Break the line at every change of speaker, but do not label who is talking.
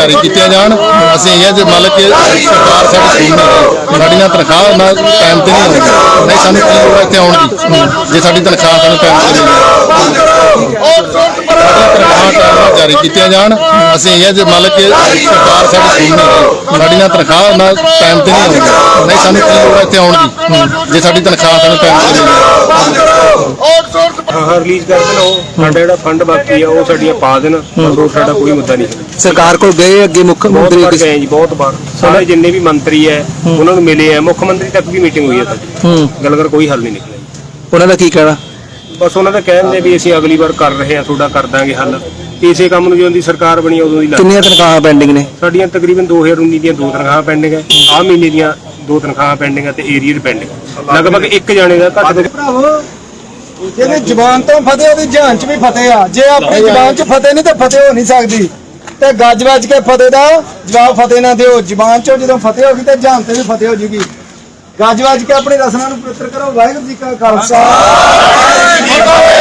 ਜਾਰੀ ਕੀਤੀਆਂ ਜਾਣ। ਅਸੀਂ ਇਹ ਜੇ ਮੰਨ ਕੇ ਸਰਕਾਰ ਸਾਡੀ ਸੁਣ ਨਹੀਂ ਸਾਡੀਆਂ ਤਨਖਾਹ ਨਾ ਟਾਈਮ ਤੇ ਨਹੀਂ ਆਉਂਦੀ, ਨਹੀਂ ਸਾਨੂੰ ਕੀ ਲੋੜ ਇੱਥੇ ਆਉਣ ਦੀ ਜੇ ਸਾਡੀ ਤਨਖਾਹ ਸਾਨੂੰ ਟਾਈਮ ਤੇ ਨਹੀਂ ਤਨਖਾਹ ਟਾਈਮ ਜਾਰੀ ਕੀਤੀਆਂ ਜਾਣ। ਅਸੀਂ ਇਹ ਜੇ ਮੰਨ ਕੇ ਸਰਕਾਰ ਸਾਡੀ ਸੁਣ ਨਹੀਂ ਸਾਡੀਆਂ ਤਨਖਾਹ ਨਾ ਟਾਈਮ ਤੇ ਨਹੀਂ ਆਉਂਦੀ, ਨਹੀਂ ਸਾਨੂੰ ਕੀ ਲੋੜ ਇੱਥੇ ਆਉਣ ਦੀ ਜੇ ਸਾਡੀ ਤਨਖਾਹ ਸਾਨੂੰ ਟਾਈਮ ਤੇ ਨਹੀਂ
ਰਿਲੀਜ਼ ਕਰ ਦੇਣ। ਉਹ ਸਾਡਾ ਜਿਹੜਾ ਫੰਡ ਬਾਕੀ ਆ ਉਹ ਸਾਡੀਆਂ ਪਾ ਦੇਣ, ਹੋਰ ਸਾਡਾ ਕੋਈ ਮੁੱਦਾ ਨਹੀਂ।
ਸਰਕਾਰ ਕੋਲ ਗਏ ਅੱਗੇ ਮੁੱਖ ਮੰਤਰੀ
ਗਏ ਜੀ ਬਹੁਤ ਵਾਰ, ਸਾਰੇ ਜਿੰਨੇ ਵੀ ਮੰਤਰੀ ਹੈ ਉਹਨਾਂ ਨੂੰ ਮਿਲੇ ਆ, ਮੁੱਖ ਮੰਤਰੀ ਤੱਕ ਵੀ ਮੀਟਿੰਗ ਹੋਈ ਹੈ ਸਾਡੀ, ਗੱਲ ਕਰ ਕੋਈ ਹੱਲ ਨਹੀਂ ਨਿਕਲਿਆ।
ਉਹਨਾਂ ਦਾ ਕੀ ਕਹਿਣਾ?
ਬਸ ਉਹਨਾਂ ਦਾ ਕਹਿੰਦੇ ਵੀ ਅਸੀਂ ਅਗਲੀ ਵਾਰ ਕਰ ਰਹੇ ਹਾਂ, ਤੁਹਾਡਾ ਕਰ ਦਾਂਗੇ ਹੱਲ। ਇਸੇ ਕੰਮ ਨੂੰ ਜਦੋਂ ਦੀ ਸਰਕਾਰ ਬਣੀ ਉਦੋਂ ਦੀ
ਕਿੰਨੀਆਂ ਤਨਖਾਹਾਂ ਪੈਂਡਿੰਗ ਨੇ?
ਸਾਡੀਆਂ ਤਕਰੀਬਨ 2019 ਦੀਆਂ 2 ਤਨਖਾਹਾਂ ਪੈਂਡਿੰਗ ਹੈ, ਆਹ ਮਹੀਨੇ ਦੀਆਂ 2 ਤਨਖਾਹਾਂ ਪੈਂਡਿੰਗ ਹੈ ਤੇ ਏਰੀਅਰ ਪੈਂਡਿੰਗ। ਲਗਭਗ ਇੱਕ ਜਾਣੇ ਦਾ ਘੱਟ
ਭਰਾਵੋ ਜਿਹਦੀ ਜ਼ਬਾਨ ਤੋਂ ਫਤਿਹ ਉਹਦੀ ਜਾਨ 'ਚ ਵੀ ਫਤਿਹ ਆ। ਜੇ ਆਪਣੀ ਜ਼ਬਾਨ 'ਚ ਫਤਿਹ ਨਹੀਂ ਤਾਂ ਫਤਿਹ ਹੋ ਨਹੀਂ ਸਕਦੀ। ਤੇ ਗੱਜ ਵੱਜ ਕੇ ਫਤਿਹ ਦਾ ਜਵਾਬ ਫਤਿਹ ਨਾ ਦਿਓ। ਜ਼ਬਾਨ 'ਚੋਂ ਜਦੋਂ ਫਤਿਹ ਹੋ ਗਈ ਤੇ ਜਾਨ ਤੇ ਵੀ ਫਤਿਹ ਹੋ ਜੂਗੀ। ਗੱਜ ਵੱਜ ਕੇ ਆਪਣੀ ਰਸਨਾ ਨੂੰ ਪਵਿੱਤਰ ਕਰੋ। ਵਾਹਿਗੁਰੂ ਜੀ ਕਾ ਖਾਲਸਾ।